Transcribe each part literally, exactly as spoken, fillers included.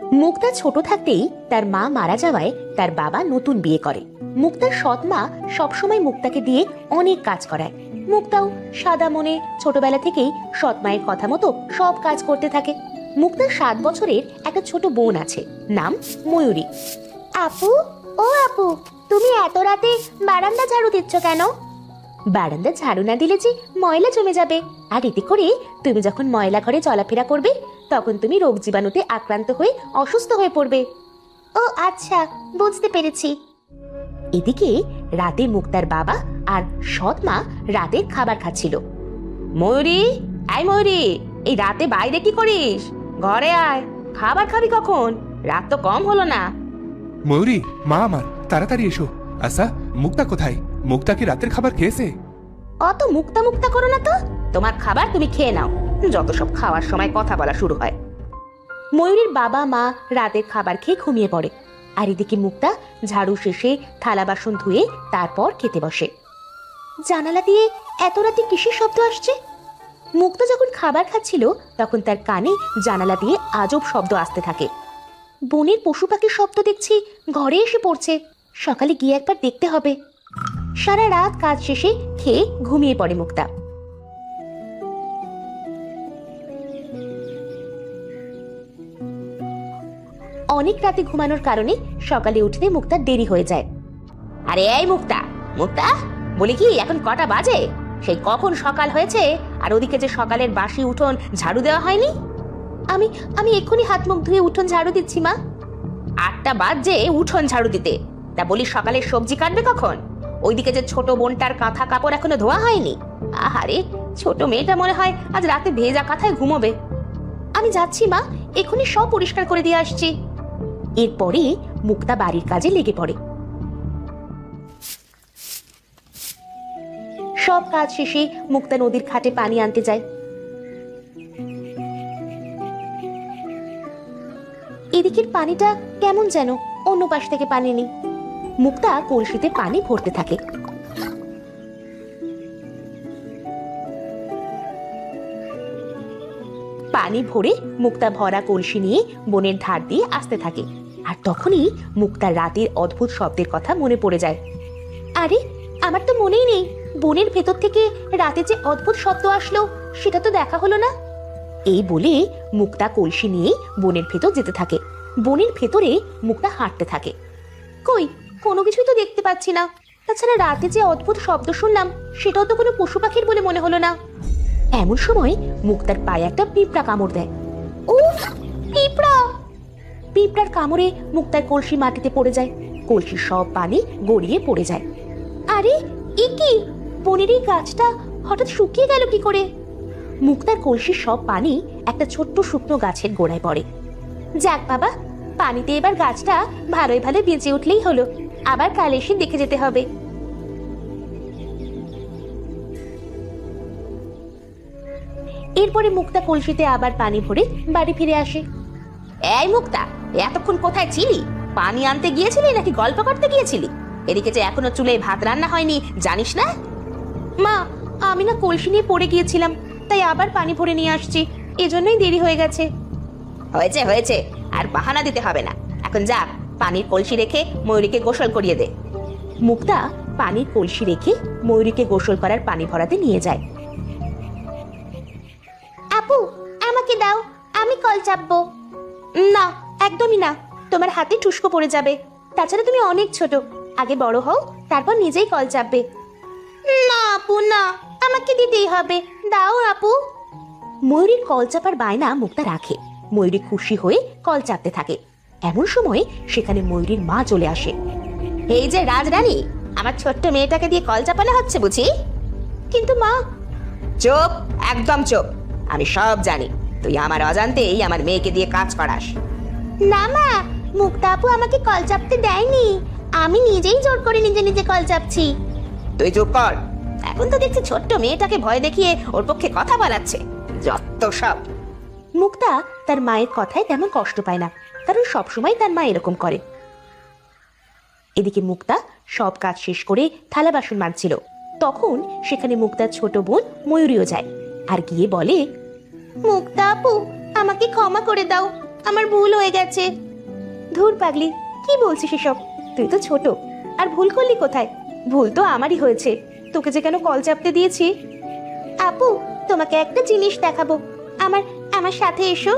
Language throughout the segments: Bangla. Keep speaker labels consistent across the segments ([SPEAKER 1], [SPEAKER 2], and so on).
[SPEAKER 1] মুক্তা ছোট থাকতেই তার মা মারা যাওয়ায় তার বাবা নতুন বিয়ে করে। মুক্তার সৎ মা সবসময় মুক্তাকে দিয়ে অনেক কাজ করায়। মুক্তাও সাদা মনে ছোটবেলা থেকেই সৎ মায়ের কথা মতো সব কাজ করতে থাকে। মুক্তার সাত বছরের একটা ছোট বোন আছে, নাম ময়ূরী। আপু, ও আপু, তুমি এত রাতে বারান্দা ঝাড়ু দিচ্ছ কেন? বারান্দা ঝাড়ু না দিলে যে ময়লা জমে যাবে, আর এতে করে তুমি যখন ময়লা ঘরে চলাফেরা করবে তখন তুমি রোগ জীবাণুতে আক্রান্ত হয়ে অসুস্থ হয়ে পড়বে। ও আচ্ছা, বুঝতে পেরেছি। এদিকে রাতে মুক্তার বাবা আর সৎ মা রাতের খাবার খাচ্ছিল। ময়ূরী, আয় ময়ূরী, এই রাতে বাইরে কি করিস? ঘরে আয়, খাবার খাবি কখন? রাত তো কম হলো না।
[SPEAKER 2] ময়ূরী, মা আমার, তাড়াতাড়ি এসো। আচ্ছা, মুক্তা কোথায়? মুক্তা কি রাতের খাবার খেয়েছে?
[SPEAKER 1] অত মুক্তা মুক্তা করো না তো, তোমার খাবার তুমি খেয়ে নাও। যত সব খাওয়ার সময় কথা বলা শুরু হয়। ময়ূরীর বাবা মা রাতের খাবার খেয়ে ঘুমিয়ে পড়ে, আর এদিকে মুক্তা ঝাড়ু শেষে থালা বাসন ধুয়ে তারপর খেতে বসে। জানালা দিয়ে এত রাতে কিসের শব্দ আসছে? মুক্তা যখন খাবার খাচ্ছিল তখন তার কানে জানালা দিয়ে আজব শব্দ আসতে থাকে। বনের পশু পাখির শব্দ দেখছি ঘরে এসে পড়ছে। সকালে গিয়ে একবার দেখতে হবে। সারা রাত কাজ শেষে খেয়ে ঘুমিয়ে পড়ে মুক্তা। অনেক রাতে ঘুমানোর কারণে সকালে উঠতে মুক্তার দেরি হয়ে যায়। আরে এই মুক্তা, মুক্তা বলি কি, এখন কটা বাজে? সেই কখন সকাল হয়েছে, আর ওদিকে যে সকালের বাসি উঠোন ঝাড়ু দেওয়া হয়নি। আমি আমি এক্ষুনি হাত মুখ ধুয়ে উঠোন ঝাড়ু দিচ্ছি মা। আটটা বাজে উঠোন ঝাড়ু দিতে? তা বলি সকালের সবজি কাটবে কখন? ওইদিকে যে ছোট বোনটার কাঁথা কাপড় এখনো ধোয়া হয়নি। আহারে, ছোট মেয়েটা মনে হয় আজ রাতে ভেজা কাঁথায় ঘুমোবে। আমি যাচ্ছি মা, এক্ষুনি সব পরিষ্কার করে দিয়ে আসছি। এরপরে মুক্তা বাড়ির কাজে লেগে পড়ে। সব কাজ শেষে মুক্তা নদীর ঘাটে পানি আনতে যায়। এদিকের পানিটা কেমন যেন, অন্য পাশ থেকে পানি নেই। মুক্তা কলসিতে পানি ভরতে থাকে। পানি ভরে মুক্তা ভরা কলসি নিয়ে বনের ধার দিয়ে আসতে থাকে। আর তখনই মুক্তার রাতের অদ্ভুত শব্দের কথা মনে পড়ে যায়। আরে, আমার তো মনেই নেই বনের ভেতর থেকে রাতে যে অদ্ভুত শব্দ আসলো সেটা তো দেখা হলো না। এই বলে মুক্তা কলসি নিয়ে বনের ভেতর যেতে থাকে। বনের ভেতরে মুক্তা হাঁটতে থাকে। কই, কোনো কিছুই তো দেখতে পাচ্ছি না। তাছাড়া রাতে যে অদ্ভুত শব্দ শুনলাম সেটাও তো কোনো পশু পাখির বলে মনে হলো না। এমন সময় মুক্তার পায়ে একটা পিঁপড়া কামড় দেয়। উফ, পিঁপড়া! পিঁপড়ার কামড়ে মুক্তার কলসি মাটিতে পড়ে যায়। কলসির সব পানি গড়িয়ে পড়ে যায়। আরে, এ কি? বনের এই গাছটা হঠাৎ শুকিয়ে গেল কি করে? মুক্তার কলসির সব পানি একটা ছোট্ট শুকনো গাছের গোড়ায় পড়ে। যাক বাবা, পানিতে এবার গাছটা ভালোই ভালো বেঁচে উঠলেই হলো। আবার কাল এসে দেখে যেতে হবে। এরপরে মুক্তা কলসিতে আবার পানি ভরে বাড়ি ফিরে আসে। এই মুক্তা, এতক্ষণ কোথায় ছিলি? পানি আনতে গিয়েছিলি নাকি গল্প করতে গিয়েছিলি? এদিকে যে এখনো চুলে ভাত রান্না হয়নি, জানিস না? মা, আমি না কলসি নিয়ে পড়ে গিয়েছিলাম, তাই আবার পানি ভরে নিয়ে আসছি। এজন্যই দেরি হয়ে গেছে। হয়েছে হয়েছে, আর বাহানা দিতে হবে না। এখন যা, পানির কলসি রেখে ময়ূরীকে গোসল করিয়ে দে। মুক্তা পানির কলসি রেখে ময়ূরীকে গোসল করার পানি ভরাতে নিয়ে যায়। আপু, আমাকে দাও, আমি কল চাপবো। না, একদমই না, তোমার হাতে ঠুসকো পড়ে যাবে। তাছাড়া তুমি অনেক ছোট, আগে বড় হও, তারপর নিজেই কল চাপবে। না আপু, না, আমাকে দিতেই হবে, দাও আপু। ময়ূরীর কল চাপার বায়না মুক্তা রাখে। ময়ূরী খুশি হয়ে কল চাপতে থাকে। এমন সময় সেখানে ময়ূরীর মা চলে আসে। এই যে রাজরানী, আমার ছোট্ট মেয়েটাকে দিয়ে কল চাপানো হচ্ছে বুঝি? কিন্তু মা। চুপ, একদম চুপ। আমি সব জানি, তুই আমার অজান্তেই আমার মেয়েকে দিয়ে কাজ করাস। না মা, মুক্তা আপু আমাকে কল চাপতে দেয়নি, আমি নিজেই জোর করে নিজে নিজে কল চাপছি। তুই চুপ কর, এখন তো দেখছি ছোট্ট মেয়েটাকে ভয় দেখিয়ে ওর পক্ষে কথা বলাচ্ছে, যত সব। মুক্তা তার মায়ের কথায় তেমন কষ্ট পায় না, কারণ সবসময় তার মা এরকম করে। এদিকে মুক্তা সব কাজ শেষ করে থালা বাসন মাজছিল। তখন সেখানে মুক্তার ছোট বোন ময়ূরীও যায় আর গিয়ে বলে, মুক্তা আপু, আমাকে ক্ষমা করে দাও, আমার ভুল হয়ে গেছে। ধুর পাগলি, কি বলছিস এসব? তুই তো ছোট, আর ভুল করলি কোথায়? ভুল তো আমারই হয়েছে, তোকে যে কেন কল চাপতে দিয়েছি। আপু, তোমাকে একটা জিনিস দেখাবো, আমার আমার সাথে এসো।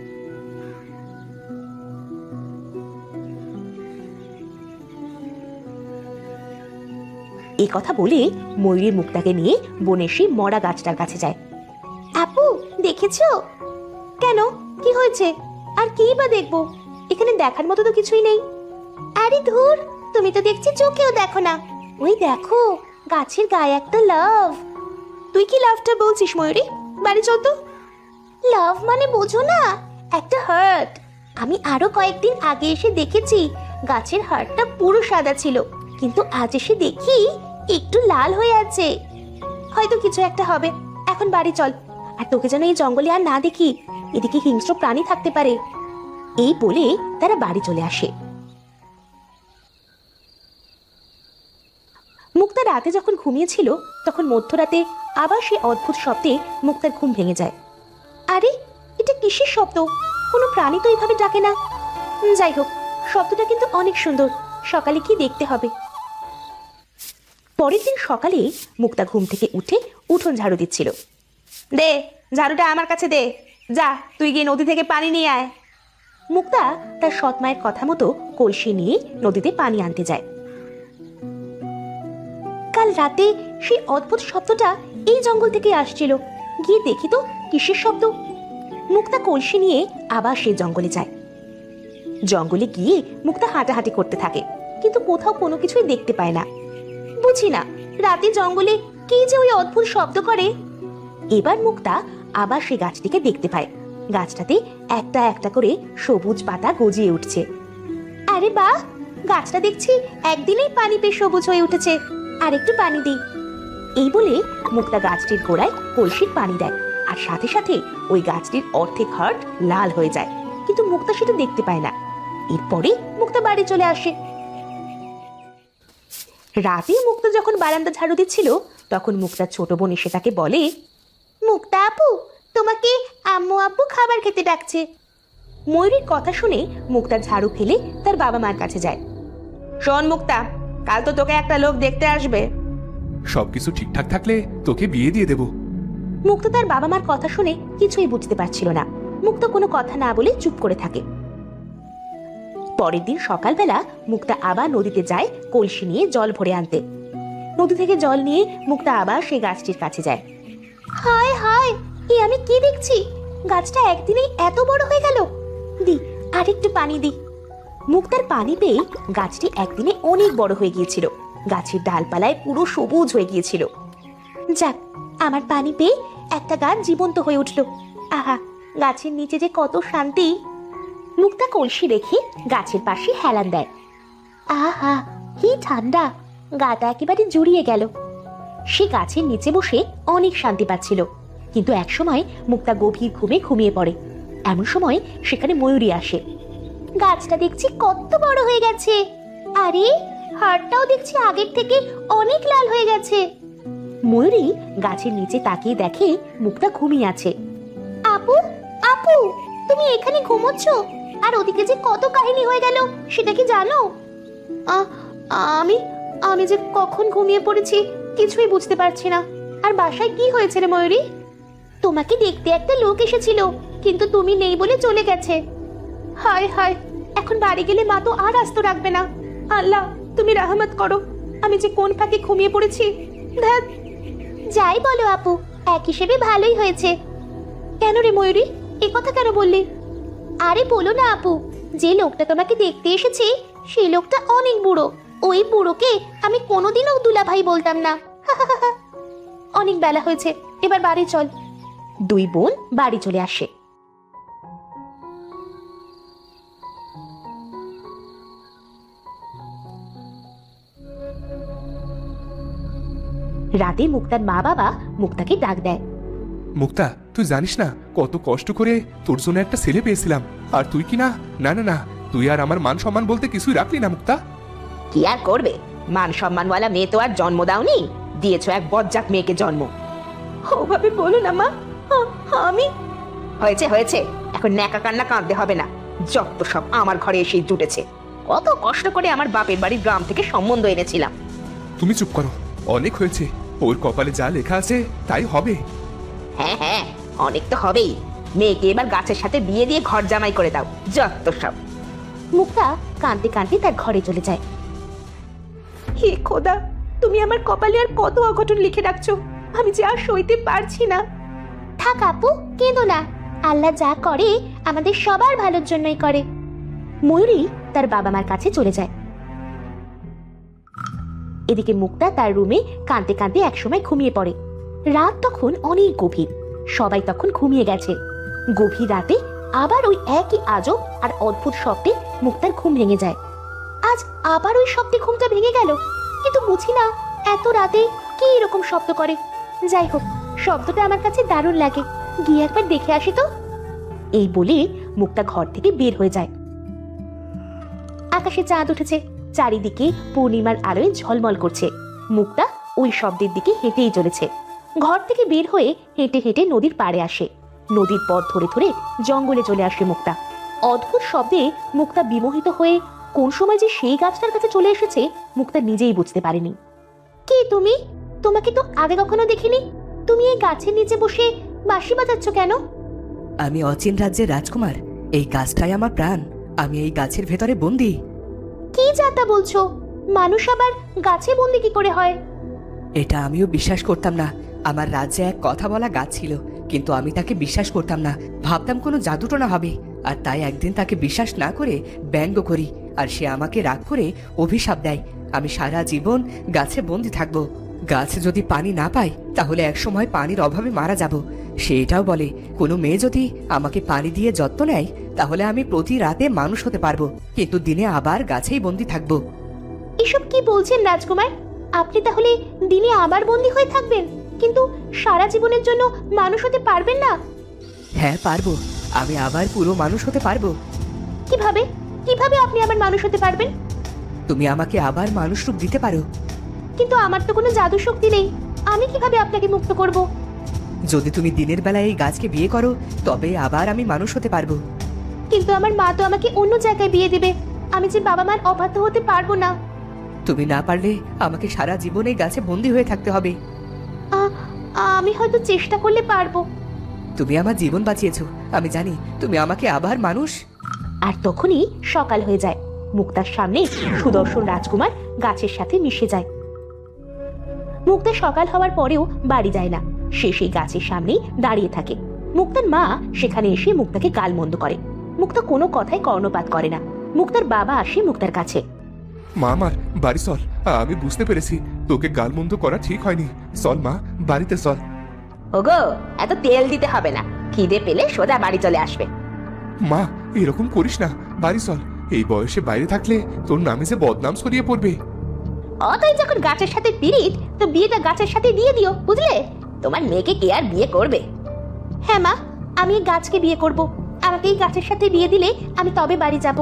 [SPEAKER 1] এই কথা বলে ময়ূরী মুক্তাকে নিয়ে বনের সেই মরা গাছটার কাছে যায়। আপু, দেখেছো? কেন, কি হয়েছে? আর কি বা দেখবো, এখানে দেখার মতো তো কিছুই নেই। আরে ধুর, তুমি তো দেখছি চোখেও দেখো না। ওই দেখো, গাছের গায়ে একটা লাভ। তুই কি লাভটা বলছিস ময়ূরী? বাড়ি চল তো। লাভ মানে বোঝো না, একটা হার্ট। আমি আরো কয়েকদিন আগে এসে দেখেছি গাছের হার্টটা পুরো সাদা ছিল, কিন্তু আজ এসে দেখি একটু লাল হয়ে আছে। হয়তো কিছু একটা হবে, এখন বাড়ি চল। আর তোকে যেন এই জঙ্গলে আর না দেখি, এদিকে হিংস্র প্রাণী থাকতে পারে। এই বলে তারা বাড়ি চলে আসে। মুক্তা রাতে যখন ঘুমিয়েছিল, তখন মধ্যরাতে আবার সেই অদ্ভুত শব্দে মুক্তার ঘুম ভেঙে যায়। আরে, এটা কিসের শব্দ? কোনো প্রাণী তো এইভাবে ডাকে না। যাই হোক, শব্দটা কিন্তু অনেক সুন্দর। সকালে কি দেখতে হবে। পরের দিন সকালে মুক্তা ঘুম থেকে উঠে উঠোন ঝাড়ু দিচ্ছিল। দে, ঝাড়ুটা আমার কাছে দে। যা, তুই গিয়ে নদী থেকে পানি নিয়ে আয়। মুক্তা তার সৎ মায়ের কথা মতো কলসি নিয়ে নদীতে পানি আনতে যায়। কাল রাতে সেই অদ্ভুত শব্দটা এই জঙ্গল থেকে আসছিল। গিয়ে দেখি তো কিসের শব্দ। মুক্তা কলসি নিয়ে আবার সেই জঙ্গলে যায়। জঙ্গলে গিয়ে মুক্তা হাঁটাহাঁটি করতে থাকে, কিন্তু কোথাও কোনো কিছুই দেখতে পায় না। বুঝি না, রাতে জঙ্গলে কি যে ওই অদ্ভুত শব্দ করে। এবার মুক্তা আবার সেই গাছটিকে দেখতে পায়। গাছটাতে একটা একটা করে সবুজ পাতা গজিয়ে উঠছে। আরে বাহ, গাছটা দেখছি একদিনেই পানি পেয়ে সবুজ হয়ে উঠেছে। আর একটু পানি দিই। এই বলে মুক্তা গাছটির গোড়ায় কলসির পানি দেয়, আর সাথে সাথে ওই গাছটির অর্ধেক হার্ট লাল হয়ে যায়। কিন্তু মুক্তা সেটা দেখতে পায় না। এরপরে মুক্তা বাড়ি চলে আসে। রাতে মুক্তা যখন বারান্দা ঝাড়ু দিচ্ছিল, তখন মুক্তার ছোট বোন এসে তাকে বলে, মুক্তা আপু, তোমাকে আম্মু আব্বু খাবার খেতে ডাকছে। ময়ূরীর কথা শুনে মুক্তা ঝাড়ু ফেলে তার বাবা মার কাছে যায়। শোন মুক্তা, কাল তো তোকে একটা লোক দেখতে আসবে।
[SPEAKER 2] সবকিছু ঠিকঠাক থাকলে তোকে বিয়ে দিয়ে দেব।
[SPEAKER 1] মুক্তা তার বাবা মার কথা শুনে কিছুই বুঝতে পারছিল না। মুক্তা কোনো কথা না বলে চুপ করে থাকে। পরের দিন সকালবেলা মুক্তা আবার নদীতে যায় কলসি নিয়ে জল ভরে আনতে। নদী থেকে জল নিয়ে মুক্তা আবার সেই গাছটির কাছে যায়। হায় হায়, এ আমি কি দেখছি? গাছটা একদিনেই এত বড় হয়ে গেল। দি, আরেকটু পানি দি। মুক্তার পানি পেয়ে গাছটি একদিনে অনেক বড় হয়ে গিয়েছিল। গাছের ডালপালায় পুরো সবুজ হয়ে গিয়েছিল। যাক, আমার পানি পেয়ে একটা গাছ জীবন্ত হয়ে উঠল। আহা, গাছের নিচে যে কত শান্তি। মুক্তা কলসি রেখে গাছের পাশে হেলান দেয়। আহা, কি ঠান্ডা, গাটা একেবারে জুড়িয়ে গেল। সে গাছের নিচে বসে অনেক শান্তি পাচ্ছিল। কিন্তু একসময় মুক্তা গভীর ঘুমে ঘুমিয়ে পড়ে। এমন সময় সেখানে ময়ূরী আসে। গাছটা দেখছি কত বড় হয়ে গেছে। আরে, হাড়টাও দেখছি আগের থেকে অনেক লাল হয়ে গেছে। ময়ূরী গাছের নিচে তাকিয়ে দেখে মুক্তা ঘুমিয়ে আছে। আপু, আপু, তুমি এখানে ঘুমোচ্ছ? আর ওদিকে যে কত কাহিনী হয়ে গেল সেটা কি জানো? আমি আমি যে কখন ঘুমিয়ে পড়েছি কিছুই বুঝতে পারছি না। আর বাসায় কি হয়েছে রে ময়ূরী? তোমাকে দেখতে একটা লোক এসেছিল, কিন্তু তুমি নেই বলে চলে গেছে। হায় হায়, এখন বাড়ি গেলে মা তো আর আস্ত রাখবে না। আল্লাহ, তুমি রহমত করো, আমি যে কোন ফাঁকে ঘুমিয়ে পড়েছি। ধ্যাৎ। যাই বলো আপু, এক হিসেবে ভালোই হয়েছে। কেন রে ময়ূরী, এ কথা কেন বললি? আরে বলো না আপু, যে লোকটা তোমাকে দেখতে এসেছে সেই লোকটা অনেক বুড়ো। ওই বুড়োকে আমি কোনোদিনও দুলাভাই বলতাম না। অনেক বেলা হয়েছে, এবার বাড়ি চল। দুই বোন বাড়ি চলে আসে। রাতে মুক্তার মা বাবা মুক্তাকে ডাক দেয়।
[SPEAKER 2] মুক্তা, তুই জানিস না কত কষ্ট করে তোর জন্য একটা ছেলে পেয়েছিলাম, আর তুই কি না না না না তুই আর আমার মান সম্মান বলতে কিছুই রাখলি না মুক্তা।
[SPEAKER 1] কি আর করবে, মান সম্মানওয়ালা মেয়ে তো আর জন্ম দাওনি, দিয়েছো এক বজ্জাত মেয়েকে জন্ম। ওভাবে বলো না মা, আমি। হয়েছে হয়েছে, এখন ন্যাকা কান্না কাঁদতে হবে না। যত সব আমার ঘরে এসে জুটেছে। কত কষ্ট করে আমার বাপের বাড়ির গ্রাম থেকে সম্বন্ধ এনেছিলাম।
[SPEAKER 2] তুমি চুপ করো, অনেক হয়েছে। ওর কপালে যা লেখা আছে তাই হবে।
[SPEAKER 1] হ্যাঁ হ্যাঁ, অনেক তো হবেই। মেয়েকে এবার গাছের সাথে বিয়ে দিয়ে ঘর জামাই করে দাও, যত সব। মুক্তা কাঁদতে কাঁদতে তার ঘরে চলে যায়। হে খোদা, তুমি আমার কপালে আর কত অঘটন লিখে রাখছো, আমি যে আর সইতে পারছি না। থাক আপু, কেঁদো না। আল্লাহ যা করে আমাদের সবার ভালোর জন্যই করে। ময়ূরী তার বাবা মার কাছে চলে যায়। এদিকে মুক্তা তার রুমে কাঁদতে কাঁদতে একসময় ঘুমিয়ে পড়ে। রাত তখন অনেক গভীর, সবাই তখন ঘুমিয়ে গেছে। গভীর রাতে আবার ওই একই আজব আর অদ্ভুত শব্দে মুক্তার ঘুম ভেঙে যায়। আজ আবার ওই শব্দে ঘুমটা ভেঙে গেল, কিন্তু বুঝি না এত রাতে কি এরকম শব্দ করে। যাই হোক, শব্দটা আমার কাছে দারুণ লাগে, গিয়ে একবার দেখে আসি তো। এই বলে মুক্তা ঘর থেকে বের হয়ে যায়। আকাশে চাঁদ উঠেছে, চারিদিকে পূর্ণিমার আলোয় ঝলমল করছে। মুক্তা ওই শব্দের দিকে হেঁটেই চলেছে। ঘর থেকে বের হয়ে হেঁটে হেঁটে নদীর পাড়ে আসে। নদীর পথ ধরে ধরে জঙ্গলে চলে আসে মুক্তা। অদ্ভুত শব্দে মুক্তা বিমোহিত হয়ে কোন সময় যে সেই গাছটার কাছে চলে এসেছে মুক্তা নিজেই বুঝতে পারেনি। কে তুমি? তোমাকে তো আগে কখনো দেখিনি। তুমি এই গাছের নিচে বসে বাঁশি বাজাচ্ছ কেন?
[SPEAKER 3] আমি অচিন রাজ্যের রাজকুমার। এই গাছটাই আমার প্রাণ। আমি এই গাছের ভেতরে বন্দি।
[SPEAKER 1] কি যাতা বলছো? মানুষ আবার গাছে বন্দি কি করে হয়?
[SPEAKER 3] এটা আমিও বিশ্বাস করতাম না। আমার রাজ্যে এক কথা বলা গাছ ছিল, কিন্তু আমি তাকে বিশ্বাস করতাম না। ভাবতাম কোনো জাদুটোনা হবে, আর তাই একদিন তাকে বিশ্বাস না করে ব্যঙ্গ করি, আর সে আমাকে রাগ করে অভিশাপ দেয়। আমি সারা জীবন গাছে বন্দি থাকবো। গাছ যদি পানি না পায় তাহলে একসময় পানির অভাবে মারা যাব। সে এটাও বলে, কোনো মেয়ে যদি আমাকে পানি দিয়ে যত্ন নেয় তাহলে আমি প্রতি রাতে মানুষ হতে পারবো, কিন্তু দিনে আবার গাছেই বন্দি থাকবো।
[SPEAKER 1] এসব কি বলছেন রাজকুমার? আপনি তাহলে দিনে আবার বন্দি হয়ে থাকবেন, কিন্তু সারা জীবনের জন্য মানুষ হতে পারবেন না?
[SPEAKER 3] হ্যাঁ পারবো, আমি আবার পুরো মানুষ হতে পারবো।
[SPEAKER 1] কিভাবে কিভাবে আপনি আবার মানুষ হতে পারবেন?
[SPEAKER 3] তুমি আমাকে আবার মানুষ রূপ দিতে পারো।
[SPEAKER 1] কিন্তু আমার তো কোনো জাদু শক্তি নেই, আমি কিভাবে আপনাকে মুক্ত করব?
[SPEAKER 3] যদি তুমি দিনের বেলায় এই গাছকে বিয়ে করো তবে আবার আমি মানুষ হতে পারবো।
[SPEAKER 1] কিন্তু আমার মা তো আমাকে অন্য জায়গায় বিয়ে দেবে, আমি যে বাবা মার অবাধ্য হতে পারবো না।
[SPEAKER 3] তুমি না পারলে আমাকে সারা জীবন এই গাছে বন্দি হয়ে থাকতে হবে।
[SPEAKER 1] আ- আমি হয়তো চেষ্টা করলে পারবো।
[SPEAKER 3] তুমি আমার জীবন বাঁচিয়েছো, আমি জানি তুমি আমাকে আবার মানুষ।
[SPEAKER 1] আর তখনই সকাল হয়ে যায়। মুক্তার সামনে সুদর্শন রাজকুমার গাছের সাথে মিশে যায়। মুক্তা সকাল হওয়ার পরেও বাড়ি যায় না, সে সেই গাছের সামনে দাঁড়িয়ে থাকে। মুক্তার মা সেখানে এসে মুক্তাকে গালমন্দ করে। মুক্তা কোনো কথায় কর্ণপাত করে না। মুক্তার বাবা আসে মুক্তার কাছে।
[SPEAKER 2] মা, আমার বাড়ি চল। আমি বুঝতে পেরেছি তোকে গালমন্দ করা ঠিক হয়নি। চল মা, বাড়িতে চল।
[SPEAKER 1] ওগো, এত তেল দিতে হবে না, খিদে পেলে সোজা বাড়ি চলে আসবে।
[SPEAKER 2] মা, এরকম করিস না, বাড়ি চল। এই বয়সে বাইরে থাকলে তোর নামে যে বদনাম ছড়িয়ে পড়বে।
[SPEAKER 1] অতই যখন গাছের সাথে পিরিত, তো বিয়েটা গাছের সাথে দিয়ে দিও, বুঝলে? তোমার মেয়েকে কে আর বিয়ে করবে? হ্যাঁ মা, আমি এই গাছকে বিয়ে করব। আমাকে এই গাছের সাথে বিয়ে দিলে আমি তবে বাড়ি যাব।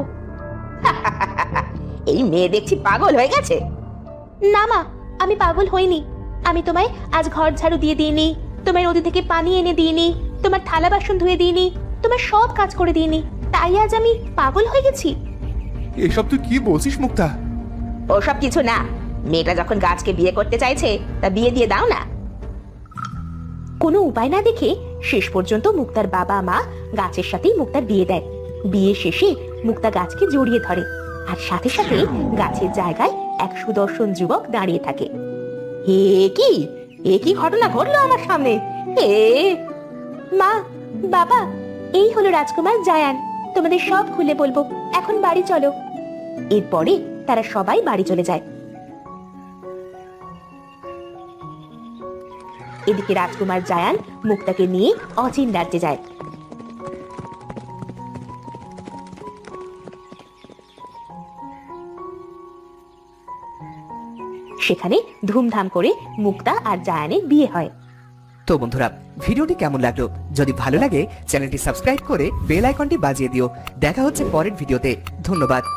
[SPEAKER 1] এই মেয়ে দেখছি পাগল হয়ে গেছে। না মা, আমি পাগল হইনি। আমি তোমায় আজ ঘর ঝাড়ু দিয়ে দিইনি, তোমায় নদী থেকে পানি এনে দিইনি, তোমার থালা বাসন ধুয়ে দিইনি, তোমার সব কাজ করে দিইনি, তাই আজ আমি পাগল হয়ে গেছি?
[SPEAKER 2] এসব তুই কি বলছিস মুক্তা?
[SPEAKER 1] ওসব কিছু না, মেয়েটা যখন গাছকে বিয়ে করতে চাইছে তা বিয়ে দিয়ে দাও না। কোনো উপায় না দেখে শেষ পর্যন্ত মুক্তার বাবা মা গাছের সাথেই মুক্তার বিয়ে দেয়। বিয়ে শেষে মুক্তা গাছকে জড়িয়ে ধরে, আর সাথে সাথে গাছের জায়গায় এক সুদর্শন যুবক দাঁড়িয়ে থাকে। হে কি, এ কি ঘটনা ঘটলো আমার সামনে? এ মা, বাবা, এই হলো রাজকুমার জায়ান। তোমাদের সব খুলে বলবো, এখন বাড়ি চলো। এরপরে তারা সবাই বাড়ি চলে যায়। এদিকে রাজকুমার জায়ান মুক্তাকে নিয়ে অচিন রাজ্যে যায়। সেখানে ধুমধাম করে মুক্তা আর জায়ানের বিয়ে হয়।
[SPEAKER 3] তো বন্ধুরা, ভিডিওটি কেমন লাগলো? যদি ভালো লাগে চ্যানেলটি সাবস্ক্রাইব করে বেল আইকনটি বাজিয়ে দিও। দেখা হচ্ছে পরের ভিডিওতে। ধন্যবাদ।